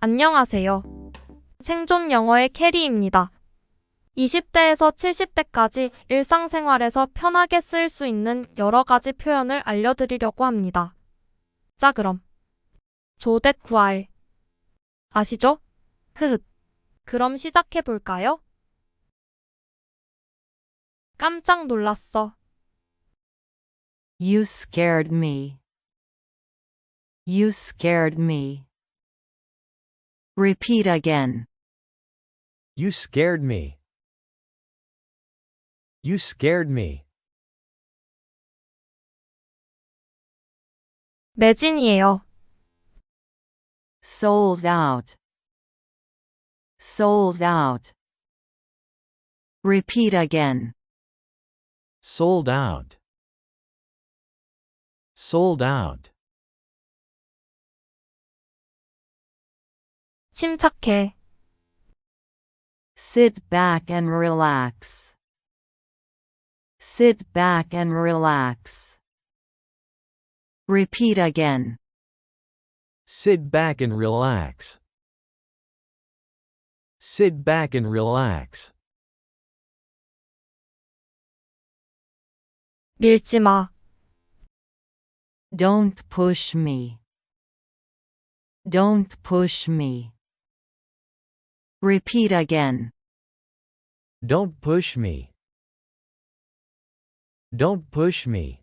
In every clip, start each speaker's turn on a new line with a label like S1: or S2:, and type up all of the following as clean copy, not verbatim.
S1: 안녕하세요. 생존 영어의 캐리입니다. 20대에서 70대까지 일상생활에서 편하게 쓸 수 있는 여러 가지 표현을 알려드리려고 합니다. 자, 그럼 조댓 구할 아시죠? 흐흐. 그럼 시작해 볼까요? 깜짝 놀랐어.
S2: You scared me. You scared me. Repeat again.
S3: You scared me. You scared me.
S1: 매진이에요.
S2: Sold out. Sold out. Repeat again.
S3: Sold out. Sold out.
S1: 침착해.
S2: Sit back and relax. Sit back and relax. Repeat again.
S3: Sit back and relax. Sit back and relax.
S1: 밀지 마.
S2: Don't push me. Don't push me. Repeat again.
S3: Don't push me. Don't push me.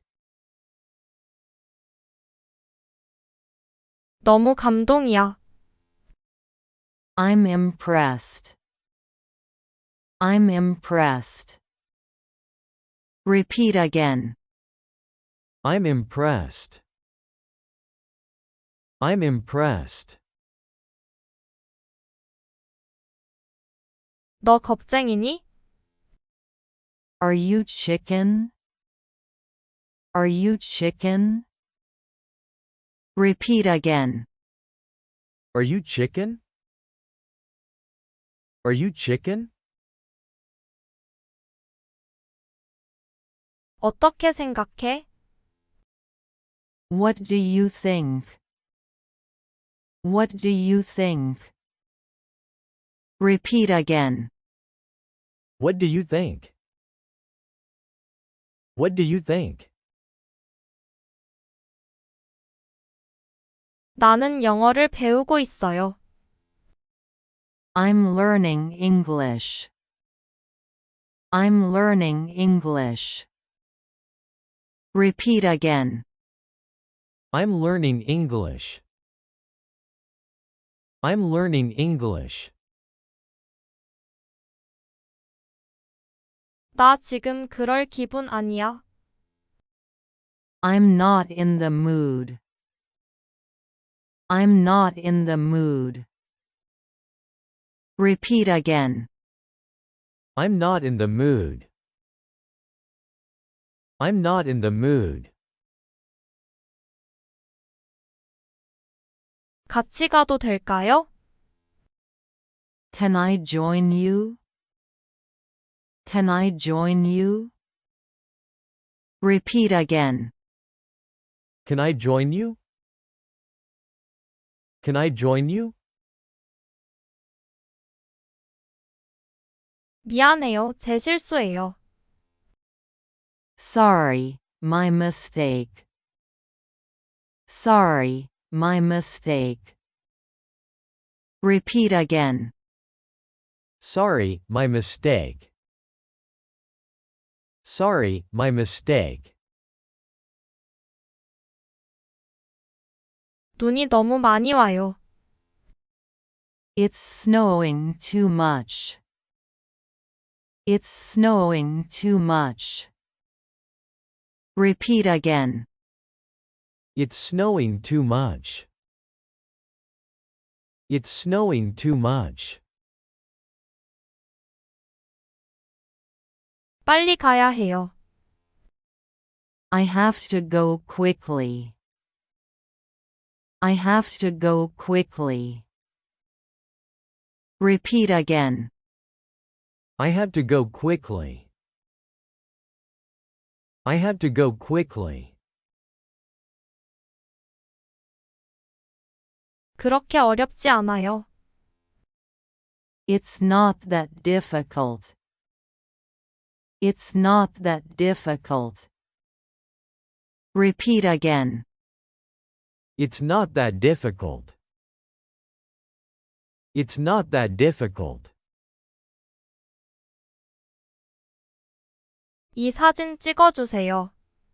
S1: 너무 감동이야.
S2: I'm impressed. I'm impressed. Repeat again.
S3: I'm impressed. I'm impressed.
S1: 너 겁쟁이니?
S2: Are you chicken? Are you chicken? Repeat again.
S3: Are you chicken? Are you chicken?
S1: 어떻게 생각해?
S2: What do you think? What do you think? Repeat again.
S3: What do you think? What do you think?
S1: 나는 영어를 배우고 있어요.
S2: I'm learning English. I'm learning English. Repeat again.
S3: I'm learning English. I'm learning English.
S1: 나 지금 그럴 기분 아니야.
S2: I'm not in the mood. I'm not in the mood. Repeat again.
S3: I'm not in the mood. I'm not in the mood.
S1: 같이 가도 될까요?
S2: Can I join you? Can I join you? Repeat again.
S3: Can I join you? Can I join you?
S1: 미안해요. 제 실수예요.
S2: Sorry, my mistake. Sorry, my mistake. Repeat again.
S3: Sorry, my mistake. Sorry, my mistake.
S1: 눈이 너무 많이 와요.
S2: It's snowing too much. It's snowing too much. Repeat again.
S3: It's snowing too much. It's snowing too much.
S1: 빨리 가야 해요.
S2: I have to go quickly. I have to go quickly. Repeat again.
S3: I have to go quickly. I have to go quickly.
S1: 그렇게 어렵지 않아요.
S2: It's not that difficult. It's not that difficult. Repeat again.
S3: It's not that difficult. It's not that difficult.
S1: 이 사진 찍어주세요.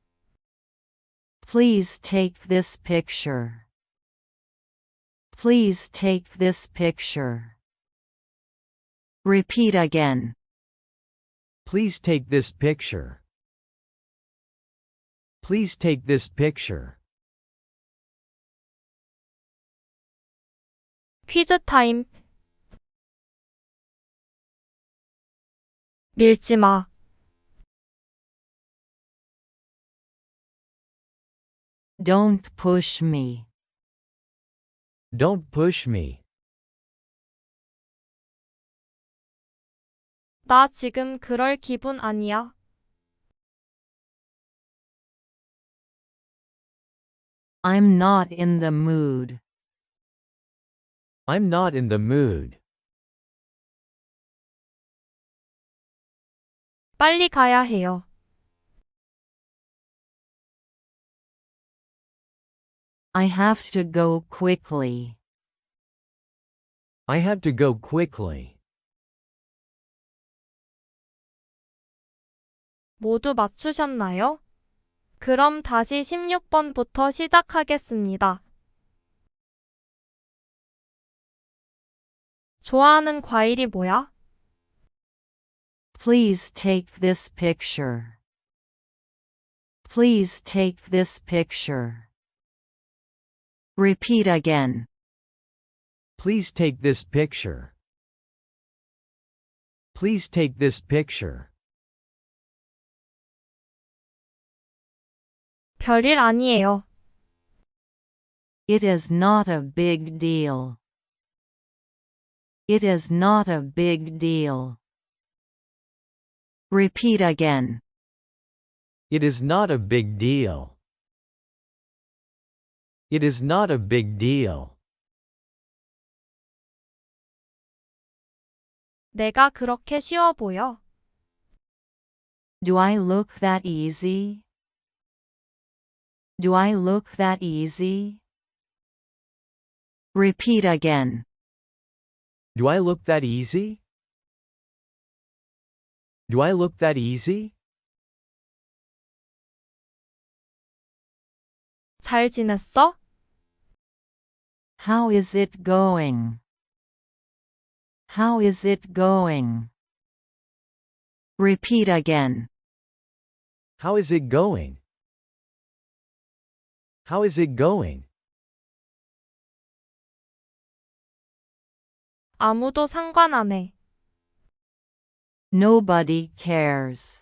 S2: Please take this picture. Please take this picture. Repeat again.
S3: Please take this picture. Please take this picture.
S1: 퀴즈 타임. 밀지 마.
S2: Don't push me.
S3: Don't push me.
S1: 나 지금 그럴 기분 아니야.
S2: I'm not in the mood.
S3: I'm not in the mood.
S1: 빨리 가야 해요.
S2: I have to go quickly.
S3: I have to go quickly.
S1: 모두 맞추셨나요? 그럼 다시 16번부터 시작하겠습니다. 좋아하는 과일이 뭐야?
S2: Please take this picture. Please take this picture. Repeat again.
S3: Please take this picture. Please take this picture.
S1: 별일 아니에요.
S2: It is not a big deal. It is not a big deal. Repeat again.
S3: It is not a big deal. It is not a big deal.
S1: 내가 그렇게 쉬워 보여?
S2: Do I look that easy? Do I look that easy? Repeat again.
S3: Do I look that easy? Do I look that easy?
S1: 잘 지냈어?
S2: How is it going? How is it going? Repeat again.
S3: How is it going? How is it going?
S1: 아무도 상관 안 해.
S2: Nobody cares.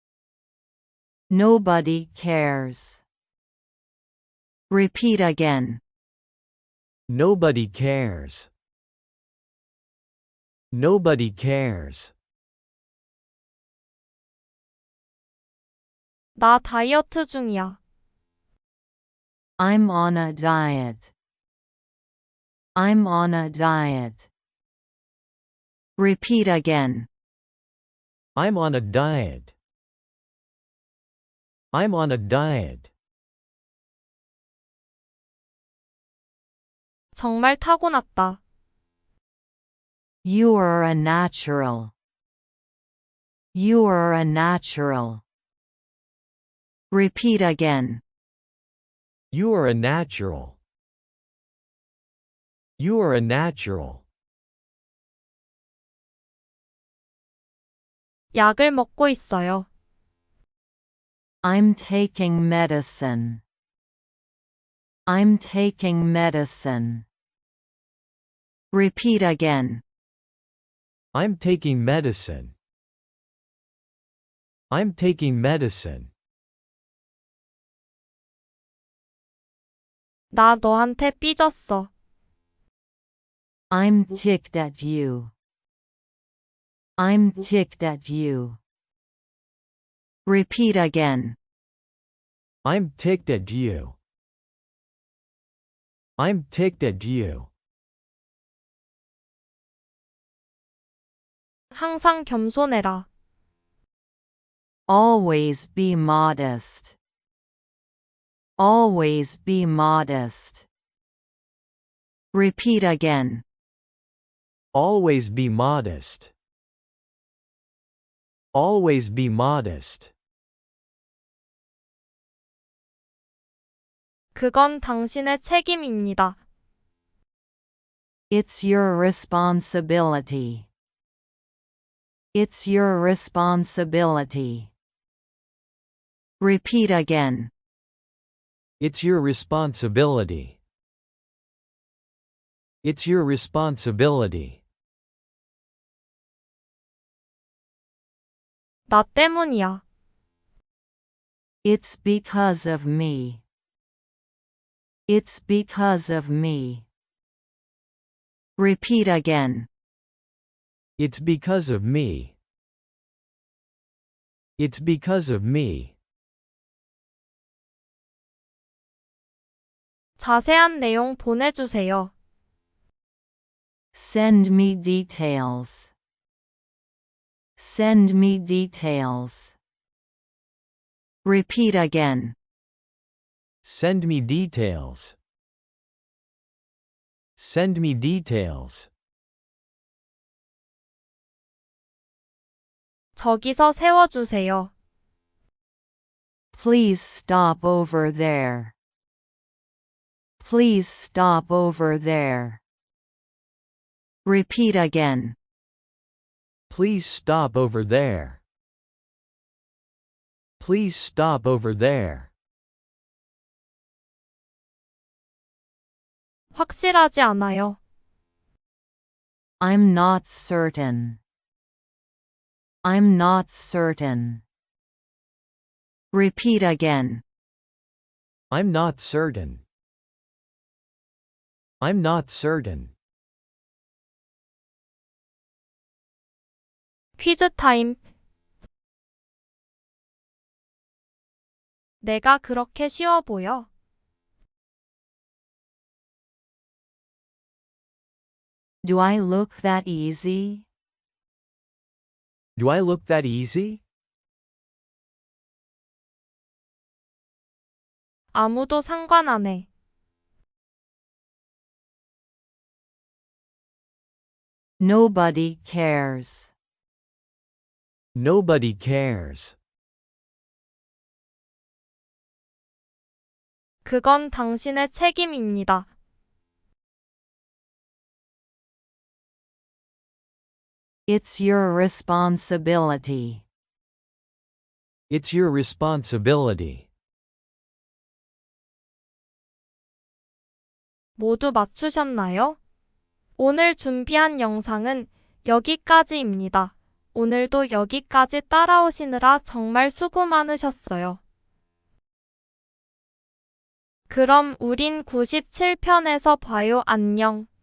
S2: Nobody cares. Repeat again.
S3: Nobody cares. Nobody cares.
S1: 나 다이어트 중이야.
S2: I'm on a diet. I'm on a diet. Repeat again.
S3: I'm on a diet. I'm on a diet.
S1: 정말 타고났다.
S2: You are a natural. You are a natural. Repeat again.
S3: You are a natural. You are a natural.
S1: 약을 먹고 있어요.
S2: I'm taking medicine. I'm taking medicine. Repeat again.
S3: I'm taking medicine. I'm taking medicine.
S1: 나 너한테 삐졌어.
S2: I'm ticked at you. I'm ticked at you. Repeat again.
S3: I'm ticked at you. I'm ticked at you.
S1: 항상 겸손해라.
S2: Always be modest. Always be modest. Repeat again.
S3: Always be modest. Always be modest.
S1: 그건 당신의 책임입니다.
S2: It's your responsibility. It's your responsibility. Repeat again.
S3: It's your responsibility. It's your responsibility.
S1: 나 때문이야.
S2: It's because of me. It's because of me. Repeat again.
S3: It's because of me. It's because of me.
S1: 자세한 내용 보내주세요.
S2: Send me details. Send me details. Repeat again.
S3: Send me details. Send me details.
S1: 저기서 세워주세요.
S2: Please stop over there. Please stop over there. Repeat again.
S3: Please stop over there. Please stop over there.
S1: 확실하지 않아요.
S2: I'm not certain. I'm not certain. Repeat again.
S3: I'm not certain. I'm not certain.
S1: 퀴즈 타임. 내가 그렇게 쉬워 보여?
S2: Do I look that easy?
S3: Do I look that easy?
S1: 아무도 상관 안 해.
S2: Nobody cares.
S3: Nobody cares.
S1: 그건 당신의 책임입니다.
S2: It's your responsibility.
S3: It's your responsibility.
S1: 모두 맞추셨나요? 오늘 준비한 영상은 여기까지입니다. 오늘도 여기까지 따라오시느라 정말 수고 많으셨어요. 그럼 우린 97편에서 봐요. 안녕.